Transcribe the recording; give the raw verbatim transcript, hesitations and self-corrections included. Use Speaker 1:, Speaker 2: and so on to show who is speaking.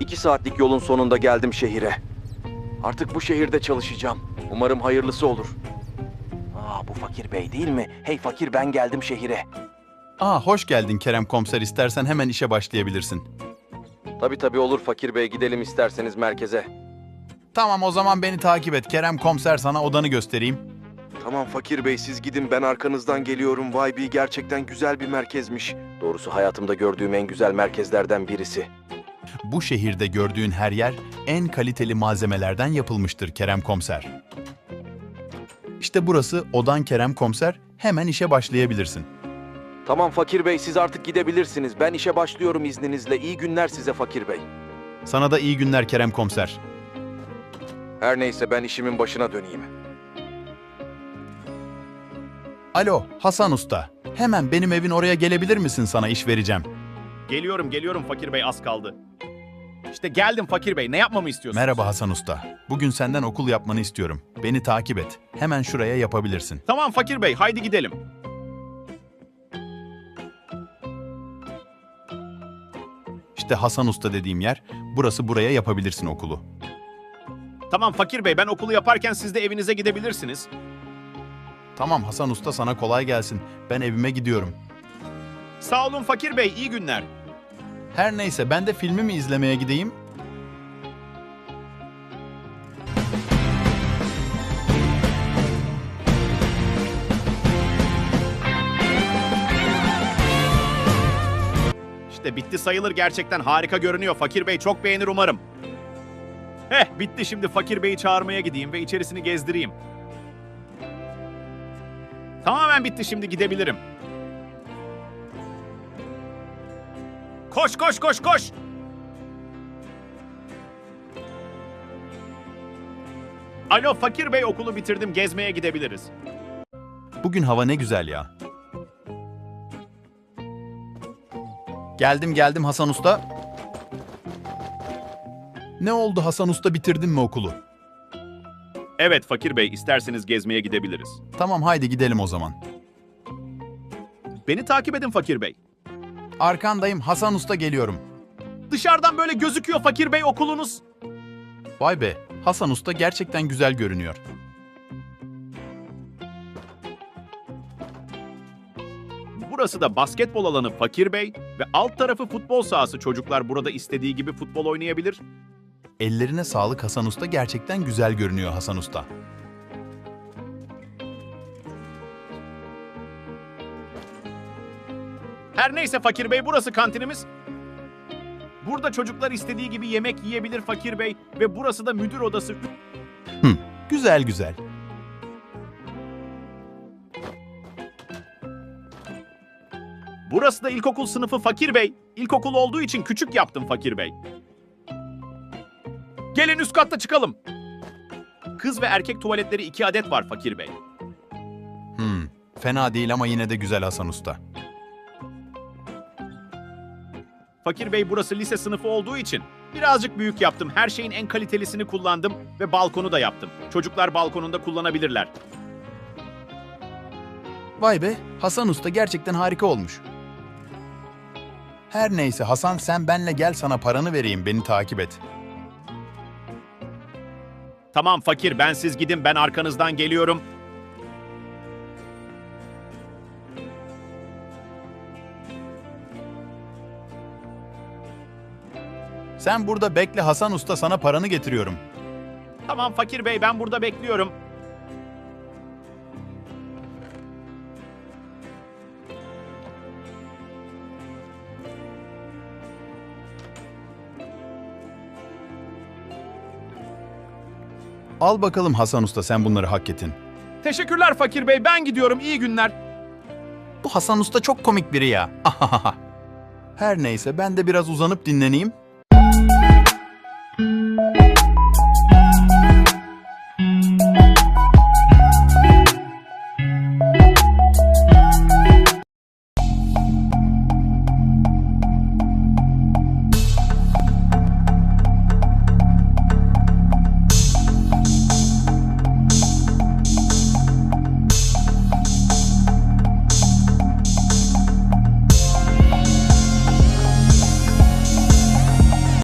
Speaker 1: İki saatlik yolun sonunda geldim şehire. Artık bu şehirde çalışacağım. Umarım hayırlısı olur. Aa, bu Fakir Bey değil mi? Hey Fakir, ben geldim şehire.
Speaker 2: Aa, hoş geldin Kerem Komiser. İstersen hemen işe başlayabilirsin.
Speaker 1: Tabii tabii olur Fakir Bey, gidelim isterseniz merkeze.
Speaker 2: Tamam, o zaman beni takip et. Kerem Komiser, sana odanı göstereyim.
Speaker 1: Tamam Fakir Bey, siz gidin, ben arkanızdan geliyorum. Vay be, gerçekten güzel bir merkezmiş. Doğrusu hayatımda gördüğüm en güzel merkezlerden birisi.
Speaker 2: Bu şehirde gördüğün her yer en kaliteli malzemelerden yapılmıştır Kerem Komiser. İşte burası odan Kerem Komiser. Hemen işe başlayabilirsin.
Speaker 1: Tamam Fakir Bey, siz artık gidebilirsiniz. Ben işe başlıyorum izninizle. İyi günler size Fakir Bey.
Speaker 2: Sana da iyi günler Kerem Komiser.
Speaker 1: Her neyse, ben işimin başına döneyim.
Speaker 2: Alo, Hasan Usta. Hemen benim evin oraya gelebilir misin? Sana iş vereceğim.
Speaker 3: Geliyorum, geliyorum Fakir Bey, az kaldı. İşte geldim Fakir Bey, ne yapmamı istiyorsunuz?
Speaker 2: Merhaba Hasan Usta. Bugün senden okul yapmanı istiyorum. Beni takip et. Hemen şuraya yapabilirsin.
Speaker 3: Tamam Fakir Bey, haydi gidelim.
Speaker 2: İşte Hasan Usta dediğim yer. Burası, buraya yapabilirsin okulu.
Speaker 3: Tamam Fakir Bey, ben okulu yaparken siz de evinize gidebilirsiniz.
Speaker 2: Tamam Hasan Usta, sana kolay gelsin. Ben evime gidiyorum.
Speaker 3: Sağ olun Fakir Bey, iyi günler.
Speaker 2: Her neyse, ben de filmimi izlemeye gideyim.
Speaker 3: İşte bitti sayılır, gerçekten harika görünüyor. Fakir Bey çok beğenir umarım. Heh, bitti, şimdi Fakir Bey'i çağırmaya gideyim ve içerisini gezdireyim. Tamamen bitti, şimdi gidebilirim. Koş koş koş koş! Alo Fakir Bey, okulu bitirdim, gezmeye gidebiliriz.
Speaker 2: Bugün hava ne güzel ya. Geldim geldim Hasan Usta. Ne oldu Hasan Usta, bitirdin mi okulu?
Speaker 3: Evet Fakir Bey, isterseniz gezmeye gidebiliriz.
Speaker 2: Tamam, haydi gidelim o zaman.
Speaker 3: Beni takip edin Fakir Bey.
Speaker 2: Arkandayım Hasan Usta, geliyorum.
Speaker 3: Dışarıdan böyle gözüküyor Fakir Bey okulunuz.
Speaker 2: Vay be, Hasan Usta gerçekten güzel görünüyor.
Speaker 3: Burası da basketbol alanı Fakir Bey ve alt tarafı futbol sahası. Çocuklar burada istediği gibi futbol oynayabilir.
Speaker 2: Ellerine sağlık Hasan Usta, gerçekten güzel görünüyor Hasan Usta.
Speaker 3: Her neyse Fakir Bey, burası kantinimiz. Burada çocuklar istediği gibi yemek yiyebilir Fakir Bey ve burası da müdür odası.
Speaker 2: Hı, güzel güzel.
Speaker 3: Burası da ilkokul sınıfı Fakir Bey. İlkokul olduğu için küçük yaptım Fakir Bey. Gelin üst katta çıkalım. Kız ve erkek tuvaletleri iki adet var Fakir Bey.
Speaker 2: Hmm, fena değil ama yine de güzel Hasan Usta.
Speaker 3: Fakir Bey, burası lise sınıfı olduğu için birazcık büyük yaptım. Her şeyin en kalitelisini kullandım ve balkonu da yaptım. Çocuklar balkonunda kullanabilirler.
Speaker 2: Vay be, Hasan Usta gerçekten harika olmuş. Her neyse Hasan, sen benle gel, sana paranı vereyim, beni takip et.
Speaker 3: Tamam Fakir, ben siz gidin, ben arkanızdan geliyorum.
Speaker 2: Sen burada bekle Hasan Usta, sana paranı getiriyorum.
Speaker 3: Tamam Fakir Bey, ben burada bekliyorum.
Speaker 2: Al bakalım Hasan Usta, sen bunları hak ettin.
Speaker 3: Teşekkürler Fakir Bey, ben gidiyorum, iyi günler.
Speaker 2: Bu Hasan Usta çok komik biri ya. Her neyse, ben de biraz uzanıp dinleneyim.